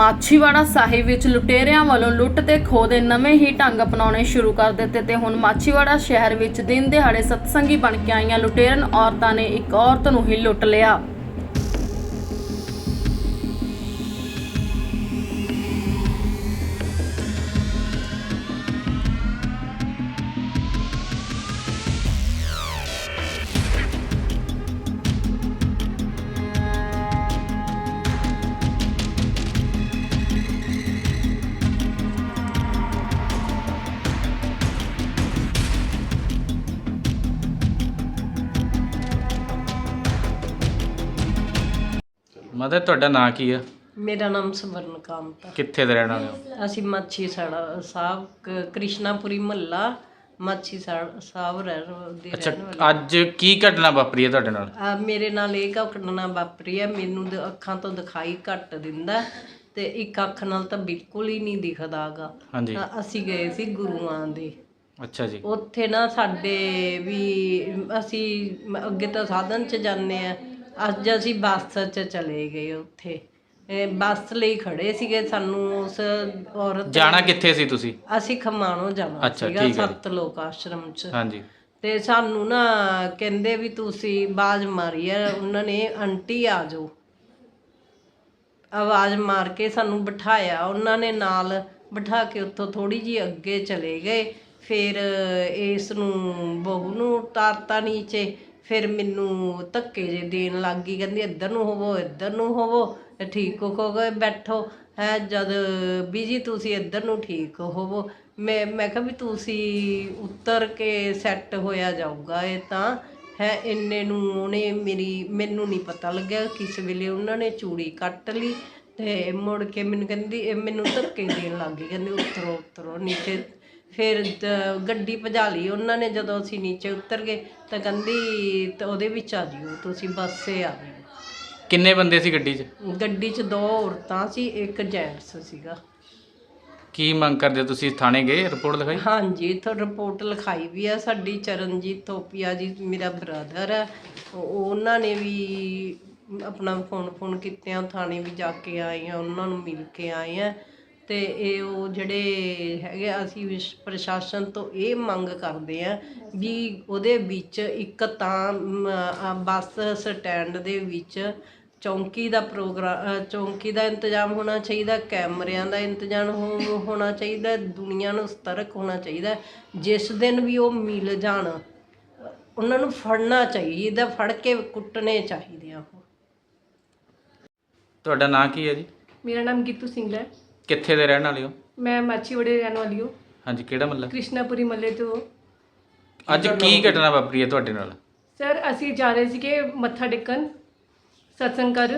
ਮਾਛੀਵਾੜਾ ਸਾਹਿਬ ਵਿੱਚ ਲੁਟੇਰਿਆਂ ਵੱਲੋਂ ਲੁੱਟ ਤੇ ਖੋਹ ਦੇ ਨਵੇਂ ਹੀ ਢੰਗ ਅਪਣਾਉਣੇ ਸ਼ੁਰੂ ਕਰ ਦਿੱਤੇ ਤੇ ਹੁਣ ਮਾਛੀਵਾੜਾ ਸ਼ਹਿਰ ਵਿੱਚ ਦਿਨ ਦਿਹਾੜੇ ਸਤਸੰਗੀ ਬਣ ਕੇ ਆਈਆਂ ਲੁਟੇਰਨ ਔਰਤਾਂ ਨੇ ਇੱਕ ਔਰਤ ਨੂੰ ਹੀ ਲੁੱਟ ਲਿਆ। ਮਦਰ ਤੁਹਾਡਾ ਨਾਂ ਕੀ ਆ? ਮੇਰਾ ਨਾਮ ਸਵਰਨ ਕਾਮਤ ਆ। ਕਿੱਥੇ ਦੇ ਰਹਿਣ ਵਾਲੇ ਹੋ? ਅਸੀਂ ਮਾਛੀ ਸਾੜਾ ਸਾਹਿਬ ਕ੍ਰਿਸ਼ਨਾਪੁਰੀ ਮਹੱਲਾ ਮਾਛੀ ਸਾਹਿਬ ਦੇ ਅੱਛਾ, ਰਹਿਣ ਵਾਲੇ। ਅੱਜ ਕੀ ਘਟਨਾ ਵਾਪਰੀ ਹੈ ਤੁਹਾਡੇ ਨਾਲ? ਮੇਰੇ ਨਾਲ ਇਹ ਘਟਨਾ ਵਾਪਰੀ ਹੈ। ਮੈਨੂੰ ਅੱਖਾਂ ਤੋਂ ਦਿਖਾਈ ਘੱਟ ਦਿੰਦਾ ਤੇ ਇੱਕ ਅੱਖ ਨਾਲ ਤਾਂ ਬਿਲਕੁਲ ਹੀ ਨਹੀਂ ਦਿਖਦਾਗਾ। ਹਾਂਜੀ। ਅਸੀਂ ਗਏ ਸੀ ਗੁਰੂਆਂ ਦੇ। ਅੱਛਾ ਜੀ। ਉੱਥੇ ਨਾ ਸਾਡੇ ਵੀ ਅਸੀਂ ਅੱਗੇ ਤਾਂ ਸਾਧਨ 'ਚ ਜਾਂਦੇ ਆ, ਅੱਜ ਅਸੀਂ ਬੱਸ 'ਚ ਚਲੇ ਗਏ। ਉੱਥੇ ਬੱਸ ਲਈ ਖੜੇ ਸੀਗੇ। ਸਾਨੂੰ ਉਸ ਔਰਤ ਜਾਣਾ ਕਿੱਥੇ ਸੀ ਤੁਸੀਂ? ਅਸੀਂ ਖਮਾਣੋਂ ਜਾਣਾ ਸੀਗਾ ਸੱਤ ਲੋਕ ਆਸ਼ਰਮ 'ਚ। ਹਾਂਜੀ। ਤੇ ਸਾਨੂੰ ਨਾ ਕਹਿੰਦੇ ਵੀ ਤੁਸੀਂ ਆਵਾਜ਼ ਮਾਰੀ ਆ ਉਹਨਾਂ ਨੇ, ਆਂਟੀ ਆ ਜਾਓ। ਆਵਾਜ਼ ਮਾਰ ਕੇ ਸਾਨੂੰ ਬਿਠਾਇਆ ਉਹਨਾਂ ਨੇ, ਨਾਲ ਬਿਠਾ ਕੇ ਉੱਥੋਂ ਥੋੜੀ ਜਿਹੀ ਅੱਗੇ ਚਲੇ ਗਏ। ਫਿਰ ਇਸ ਨੂੰ ਬਹੂ ਨੂੰ ਉਤਾਰਤਾ ਨੀਚੇ। ਫਿਰ ਮੈਨੂੰ ਧੱਕੇ ਜੇ ਦੇਣ ਲੱਗ ਗਈ, ਕਹਿੰਦੀ ਇੱਧਰ ਨੂੰ ਹੋਵੋ, ਇੱਧਰ ਨੂੰ ਹੋਵੋ, ਠੀਕ ਹੋ ਗਏ ਬੈਠੋ ਹੈ। ਜਦ ਵੀ ਜੀ ਤੁਸੀਂ ਇੱਧਰ ਨੂੰ ਠੀਕ ਹੋਵੋ। ਮੈਂ ਕਿਹਾ ਵੀ ਤੁਸੀਂ ਉੱਤਰ ਕੇ ਸੈੱਟ ਹੋਇਆ ਜਾਊਗਾ ਇਹ ਤਾਂ ਹੈ। ਇੰਨੇ ਨੂੰ ਉਹਨੇ ਮੈਨੂੰ ਨਹੀਂ ਪਤਾ ਲੱਗਿਆ ਕਿਸ ਵੇਲੇ ਉਹਨਾਂ ਨੇ ਚੂੜੀ ਕੱਟ ਲਈ ਤੇ ਮੁੜ ਕੇ ਮੈਨੂੰ ਕਹਿੰਦੀ, ਮੈਨੂੰ ਧੱਕੇ ਦੇਣ ਲੱਗ ਗਈ, ਕਹਿੰਦੀ ਉਤਰੋ ਉਤਰੋ ਨੀਚੇ। ਫਿਰ ਗੱਡੀ ਭਜਾ ਲਈ ਉਹਨਾਂ ਨੇ। ਜਦੋਂ ਅਸੀਂ ਨੀਚੇ ਉਤਰ ਗਏ ਤਾਂ ਕਹਿੰਦੀ ਤਾਂ ਉਹਦੇ ਵਿੱਚ ਆ ਜਿਓ ਤੁਸੀਂ, ਬੱਸੇ ਆ ਜਿਓ। ਕਿੰਨੇ ਬੰਦੇ ਸੀ ਗੱਡੀ 'ਚ? ਗੱਡੀ 'ਚ 2 ਔਰਤਾਂ ਸੀ, ਇੱਕ ਜੈਂਟਸ ਸੀਗਾ। ਕੀ ਮੰਗ ਕਰਦੇ ਹੋ ਤੁਸੀਂ? ਥਾਣੇ ਗਏ, ਰਿਪੋਰਟ ਲਿਖਾਈ? ਹਾਂਜੀ, ਇੱਥੋਂ ਰਿਪੋਰਟ ਲਿਖਾਈ ਵੀ ਆ। ਸਾਡੀ ਚਰਨਜੀਤ ਥੋਪੀਆ ਜੀ ਮੇਰਾ ਬ੍ਰਦਰ ਹੈ, ਉਹਨਾਂ ਨੇ ਵੀ ਆਪਣਾ ਫੋਨ ਕੀਤੇ ਆ, ਥਾਣੇ ਵੀ ਜਾ ਕੇ ਆਏ ਆ, ਉਹਨਾਂ ਨੂੰ ਮਿਲ ਕੇ ਆਏ ਆ। ਤੇ ਇਹ ਉਹ ਜਿਹੜੇ ਹੈਗੇ, ਅਸੀਂ ਪ੍ਰਸ਼ਾਸਨ ਤੋਂ ਇਹ ਮੰਗ ਕਰਦੇ ਆ ਵੀ ਉਹਦੇ ਵਿੱਚ ਇੱਕ ਤਾਂ ਬੱਸ ਸਟੈਂਡ ਦੇ ਵਿੱਚ ਚੌਂਕੀ ਦਾ ਇੰਤਜ਼ਾਮ ਹੋਣਾ ਚਾਹੀਦਾ, ਕੈਮਰਿਆਂ ਦਾ ਇੰਤਜ਼ਾਮ ਹੋਣਾ ਚਾਹੀਦਾ, ਦੁਨੀਆ ਨੂੰ ਸਤਰਕ ਹੋਣਾ ਚਾਹੀਦਾ। ਜਿਸ ਦਿਨ ਵੀ ਉਹ ਮਿਲ ਜਾਣ ਉਹਨਾਂ ਨੂੰ ਫੜਨਾ ਚਾਹੀਦਾ, ਫੜ ਕੇ ਕੁੱਟਣੇ ਚਾਹੀਦੇ ਆ ਉਹ। ਤੁਹਾਡਾ ਨਾਂ ਕੀ ਹੈ ਜੀ? ਮੇਰਾ ਨਾਮ ਗੀਤੂ ਸਿੰਘ ਹੈ। ਕਿੱਥੇ ਦੇ ਰਹਿਣ ਵਾਲੇ ਹੋ? ਮੈਂ ਮਾਛੀਵਾੜੇ ਰਹਿਣ ਵਾਲੀ ਹਾਂ। ਹਾਂਜੀ, ਕਿਹੜਾ ਮਹੱਲਾ? ਕ੍ਰਿਸ਼ਨਾਪੁਰੀ ਮਹੱਲੇ ਤੋਂ। ਅੱਜ ਕੀ ਘਟਨਾ ਵਾਪਰੀ ਹੈ ਤੁਹਾਡੇ ਨਾਲ? ਸਰ, ਅਸੀਂ ਜਾ ਰਹੇ ਸੀਗੇ ਮੱਥਾ ਟੇਕਣ ਸਤਸੰਗ ਕਰ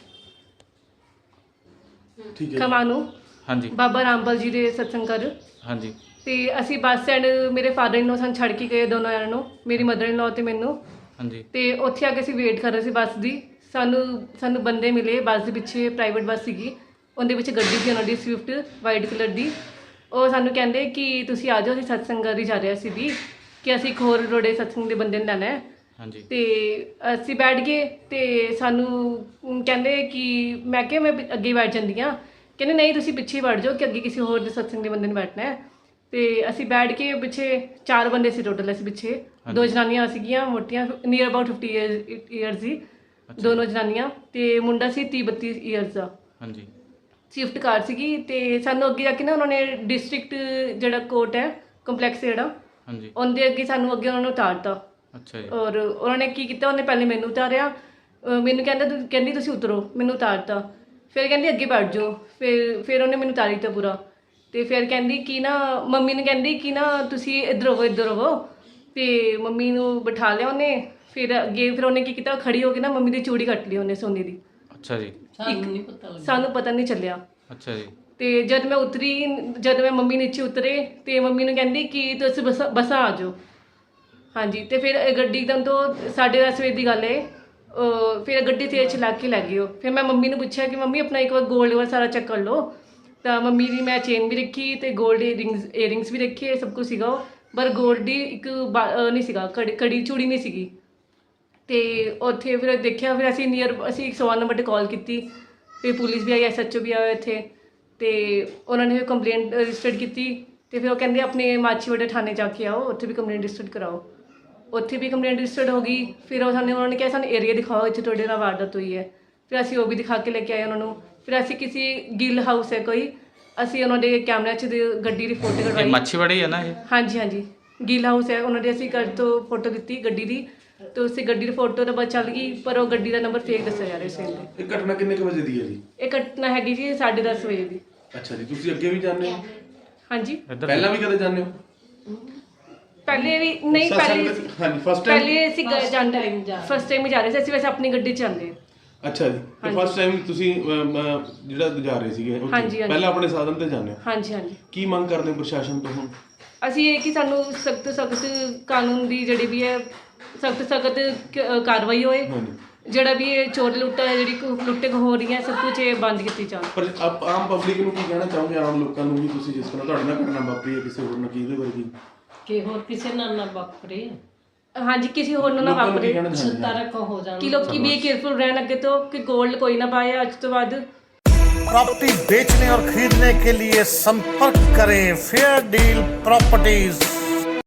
ਖਮਾਣੋਂ। ਹਾਂਜੀ। ਬਾਬਾ ਰਾਮਪਾਲ ਜੀ ਦੇ ਸਤਸੰਗ ਕਰ। ਹਾਂਜੀ। ਤੇ ਅਸੀਂ ਬੱਸ ਸਟੈਂਡ, ਮੇਰੇ ਫਾਦਰ ਇਨ ਲੋ ਸਾਨੂੰ ਛੱਡ ਕੇ ਗਏ ਦੋਨੋਂ ਜਣਿਆਂ ਨੂੰ, ਮੇਰੀ ਮਦਰ ਇਨ ਲੋ ਤੇ ਮੈਨੂੰ। ਹਾਂਜੀ। ਤੇ ਉੱਥੇ ਆ ਕੇ ਅਸੀਂ ਵੇਟ ਕਰ ਰਹੇ ਸੀ ਬੱਸ ਦੀ। ਸਾਨੂੰ ਬੰਦੇ ਮਿਲੇ ਬੱਸ ਦੇ ਪਿੱਛੇ, ਪ੍ਰਾਈਵੇਟ ਬੱਸ ਸੀਗੀ, ਉਹਦੇ ਵਿੱਚ ਗੱਡੀ ਸੀ ਉਹਨਾਂ ਦੀ ਸਵਿਫਟ ਵਾਈਟ ਕਲਰ ਦੀ। ਉਹ ਸਾਨੂੰ ਕਹਿੰਦੇ ਕਿ ਤੁਸੀਂ ਆ ਜਾਓ, ਅਸੀਂ ਸਤਸੰਗ ਕਰ ਹੀ ਜਾ ਰਹੇ ਸੀ ਵੀ, ਕਿ ਅਸੀਂ ਇੱਕ ਹੋਰ ਰੋੜੇ ਸਤਸੰਗ ਦੇ ਬੰਦੇ ਨੂੰ ਲੈਣਾ ਹੈ। ਹਾਂਜੀ। ਤੇ ਅਸੀਂ ਬੈਠ ਗਏ ਤੇ ਸਾਨੂੰ ਕਹਿੰਦੇ ਕਿ ਮੈਂ ਕਿਹਾ ਮੈਂ ਅੱਗੇ ਬੈਠ ਜਾਂਦੀ ਹਾਂ। ਕਹਿੰਦੇ ਨਹੀਂ, ਤੁਸੀਂ ਪਿੱਛੇ ਬੈਠ ਜਾਓ ਕਿ ਅੱਗੇ ਕਿਸੇ ਹੋਰ ਦੇ ਸਤਸੰਗ ਦੇ ਬੰਦੇ ਨੂੰ ਬੈਠਣਾ ਹੈ। ਤੇ ਅਸੀਂ ਬੈਠ ਕੇ ਪਿੱਛੇ 4 ਬੰਦੇ ਸੀ ਟੋਟਲ। ਅਸੀਂ ਪਿੱਛੇ 2 ਜਨਾਨੀਆਂ ਸੀਗੀਆਂ ਮੋਟੀਆਂ, ਨੀਅਰ ਅਬਾਊਟ 50 ਈਅਰਸ ਦੀ, ਦੋਨੋਂ ਜਨਾਨੀਆਂ, ਤੇ ਮੁੰਡਾ ਸੀ 30-32 ਈਅਰਸ ਦਾ। ਹਾਂਜੀ। ਸਵਿਫਟ ਕਾਰ ਸੀਗੀ। ਤੇ ਸਾਨੂੰ ਅੱਗੇ ਜਾ ਕੇ ਨਾ ਉਹਨਾਂ ਨੇ ਡਿਸਟ੍ਰਿਕਟ ਜਿਹੜਾ ਕੋਰਟ ਹੈ, ਕੰਪਲੈਕਸ ਜਿਹੜਾ, ਹਾਂਜੀ, ਉਹਦੇ ਅੱਗੇ ਸਾਨੂੰ ਅੱਗੇ ਉਹਨਾਂ ਨੂੰ ਉਤਾਰਤਾ। ਅੱਛਾ ਜੀ। ਔਰ ਉਹਨਾਂ ਨੇ ਕੀ ਕੀਤਾ, ਉਹਨੇ ਪਹਿਲੇ ਮੈਨੂੰ ਉਤਾਰਿਆ। ਮੈਨੂੰ ਕਹਿੰਦੀ ਤੁਸੀਂ ਉਤਰੋ, ਮੈਨੂੰ ਉਤਾਰਤਾ। ਫਿਰ ਕਹਿੰਦੀ ਅੱਗੇ ਬੈਠ ਜਾਓ। ਫਿਰ ਉਹਨੇ ਮੈਨੂੰ ਉਤਾਰੀ ਦਿੱਤਾ ਪੂਰਾ। ਤੇ ਫਿਰ ਕਹਿੰਦੀ ਕਿ ਨਾ, ਮੰਮੀ ਨੂੰ ਕਹਿੰਦੀ ਕਿ ਨਾ ਤੁਸੀਂ ਇੱਧਰ ਹੋਵੋ। ਤੇ ਮੰਮੀ ਨੂੰ ਬਿਠਾ ਲਿਆ ਉਹਨੇ। ਫਿਰ ਅੱਗੇ ਫਿਰ ਉਹਨੇ ਕੀ ਕੀਤਾ, ਖੜੀ ਹੋ ਕੇ ਨਾ ਮੰਮੀ ਦੀ ਚੂੜੀ ਕੱਟ ਲਈ ਉਹਨੇ ਸੋਨੇ ਦੀ। ਅੱਛਾ ਜੀ। ਸਾਨੂੰ ਪਤਾ ਨਹੀਂ ਚੱਲਿਆ। ਅੱਛਾ ਜੀ। ਤੇ ਜਦ ਮੈਂ ਮੰਮੀ ਨੀਚੇ ਉਤਰੇ ਤੇ ਮੰਮੀ ਨੂੰ ਕਹਿੰਦੀ ਕਿ ਤੁਸੀਂ ਬੱਸਾਂ ਆ ਜਾਓ। ਹਾਂਜੀ। ਤੇ ਫਿਰ ਗੱਡੀ ਇੱਕਦਮ ਤੋਂ 10:30 ਵਜੇ ਦੀ ਗੱਲ ਹੈ। ਫਿਰ ਗੱਡੀ ਤੇਜ਼ ਚਲਾ ਕੇ ਲੈ ਗਏ ਉਹ। ਫਿਰ ਮੈਂ ਮੰਮੀ ਨੂੰ ਪੁੱਛਿਆ ਕਿ ਮੰਮੀ ਆਪਣਾ ਇੱਕ ਵਾਰ ਗੋਲਡ ਵਾਲਾ ਸਾਰਾ ਚੈੱਕ ਕਰ ਲਓ। ਤਾਂ ਮੰਮੀ ਦੀ ਮੈਂ ਚੇਨ ਵੀ ਰੱਖੀ ਤੇ ਗੋਲਡ ਏਅਰਿੰਗਸ ਵੀ ਰੱਖੇ, ਸਭ ਕੁਝ ਸੀਗਾ। ਪਰ ਗੋਲਡ ਦੀ ਇੱਕ ਨਹੀਂ ਸੀਗਾ, ਕੜੀ ਚੂੜੀ ਨਹੀਂ ਸੀਗੀ। ਤੇ ਉੱਥੇ ਫਿਰ ਦੇਖਿਆ। ਫਿਰ ਅਸੀਂ 101 ਨੰਬਰ 'ਤੇ ਕਾਲ ਕੀਤੀ ਫਿਰ ਪੁਲਿਸ ਵੀ ਆਈ, SHO ਵੀ ਆਇਆ ਇੱਥੇ, ਤੇ ਉਹਨਾਂ ਨੇ ਕੰਪਲੇਂਟ ਰਜਿਸਟਰ ਕੀਤੀ। ਤੇ ਫਿਰ ਉਹ ਕਹਿੰਦੇ ਆਪਣੇ ਮਾਛੀਵਾੜਾ ਥਾਣੇ ਜਾ ਕੇ ਆਓ, ਉੱਥੇ ਵੀ ਕੰਪਲੇਂਟ ਰਜਿਸਟਰ ਕਰਾਓ। ਉੱਥੇ ਵੀ ਕੰਪਲੇਂਟ ਰਜਿਸਟਰਡ ਹੋ ਗਈ। ਫਿਰ ਉਹਨਾਂ ਨੇ ਕਿਹਾ ਸਾਨੂੰ ਏਰੀਆ ਦਿਖਾਓ ਇੱਥੇ ਤੁਹਾਡੇ ਨਾਲ ਵਾਰਦਾਤ ਹੋਈ ਹੈ। ਫਿਰ ਅਸੀਂ ਉਹ ਵੀ ਦਿਖਾ ਕੇ ਲੈ ਕੇ ਆਏ ਉਹਨਾਂ ਨੂੰ। ਫਿਰ ਅਸੀਂ ਕਿਸੇ ਗਿੱਲ ਹਾਊਸ ਹੈ ਕੋਈ, ਅਸੀਂ ਉਹਨਾਂ ਦੇ ਕੈਮਰਿਆਂ 'ਚ ਗੱਡੀ ਦੀ ਫੋਟੋ ਇਹ ਕਢਵਾਈ। ਮਾਛੀਵਾੜਾ ਹੀ ਹੈ ਨਾ ਇਹ? ਹਾਂਜੀ ਹਾਂਜੀ, ਗਿੱਲ ਹਾਊਸ ਹੈ ਉਹਨਾਂ ਦੇ। ਅਸੀਂ ਘਰ ਤੋਂ ਫੋਟੋ ਦਿੱਤੀ ਗੱਡੀ ਦੀ, ਤੇ ਉਸੇ ਗੱਡੀ ਦੀ ਫੋਟੋ ਤਾਂ ਬਸ ਚੱਲ ਗਈ, ਪਰ ਉਹ ਗੱਡੀ ਦਾ ਨੰਬਰ ਫੇਕ ਦੱਸਿਆ ਜਾ ਰਿਹਾ ਸੀ। ਇਹ ਘਟਨਾ ਕਿੰਨੇ ਕੁ ਵਜੇ ਦੀ ਹੈ ਜੀ? ਇਹ ਘਟਨਾ ਹੈਗੀ ਜੀ 10:30 ਵਜੇ ਦੀ। ਅੱਛਾ ਜੀ, ਤੁਸੀਂ ਅੱਗੇ ਵੀ ਜਾਂਦੇ ਹੋ? ਹਾਂਜੀ, ਇੱਧਰ ਪਹਿਲਾਂ ਵੀ ਕਦੇ ਜਾਂਦੇ ਹੋ? ਪਹਿਲੇ ਵੀ ਨਹੀਂ, ਪਹਿਲੇ ਹਾਂਜੀ, ਫਸਟ ਟਾਈਮ? ਪਹਿਲੇ ਅਸੀਂ ਜਾਂਦੇ ਫਸਟ ਟਾਈਮ ਹੀ ਜਾ ਰਹੇ ਸੀ। ਅਸੀਂ ਵੈਸੇ ਆਪਣੀ ਗੱਡੀ 'ਚ ਜਾਂਦੇ ਹਾਂ। ਅੱਛਾ ਜੀ, ਤੇ ਫਸਟ ਟਾਈਮ ਤੁਸੀਂ ਜਿਹੜਾ ਜਾ ਰਹੇ ਸੀਗੇ ਉੱਥੇ, ਹਾਂਜੀ, ਹਾਂਜੀ। ਪਹਿਲਾਂ ਆਪਣੇ ਸਾਧਨ ਤੇ ਜਾਂਦੇ ਹੋ? ਹਾਂਜੀ ਹਾਂਜੀ, ਕੀ ਮੰਗ ਕਰਦੇ ਹੋ ਪ੍ਰਸ਼ਾਸਨ ਤੋਂ ਹੁਣ? ਅਸੀਂ ਇਹ ਕਿ ਸਾਨੂੰ ਸਖਤ ਕਾਨੂੰਨ ਦੀ ਜਿਹੜੀ ਵੀ ਹੈ ਸਖਤ ਕਾਰਵਾਈ ਹੋਏ। ਹਾਂਜੀ, ਜਿਹੜਾ ਵੀ ਇਹ ਚੋਰ ਲੁੱਟਾ ਹੈ, ਜਿਹੜੀ ਲੁੱਟੇ ਹੋ ਰਹੀਆਂ, ਸਭ ਕੁਝ ਇਹ ਬੰਦ ਕੀਤੀ ਜਾਵੇ। ਪਰ ਆਮ ਪਬਲਿਕ ਨੂੰ ਕੀ ਕਹਿਣਾ ਚਾਹੋਗੇ, ਆਮ ਲੋਕਾਂ ਨੂੰ ਵੀ? ਤੁਸੀਂ ਜਿਸ ਤਰ੍ਹਾਂ ਤੁਹਾਡੇ ਨਾਲ ਘਟਨਾ ਵਾਪਰੀ ਹੈ ਕਿਸੇ ਹੋਰ ਨਾਲ, ਕੀ ਇਹਦੇ ਵਰਗੀ ਕਿ ਹੋਰ ਕਿਸੇ ਨਾਲ ਨਾ ਵਾਪਰੇ, ਹਾਂਜੀ, ਕਿਸੇ ਹੋਰ ਨੂੰ ਨਾ ਲੋਕਾਂ ਨੂੰ ਕੀ ਵਾਪਰੇ, ਕਹਿਣਾ ਚਾਹੁੰਦੇ ਹੋ? ਤਰਕ ਹੋ ਜਾਣ। ਕਿ ਲੋਕੀ ਵੀ ਕੇਅਰਫੁਲ ਰਹਿਣ ਅੱਗੇ ਤੋਂ, ਕਿ ਗੋਲਡ ਕੋਈ ਨਾ ਪਾਏ ਅੱਜ ਤੋਂ ਬਾਅਦ। प्रॉपर्टी बेचने और खरीदने के लिए संपर्क करें फेयर डील प्रॉपर्टीज।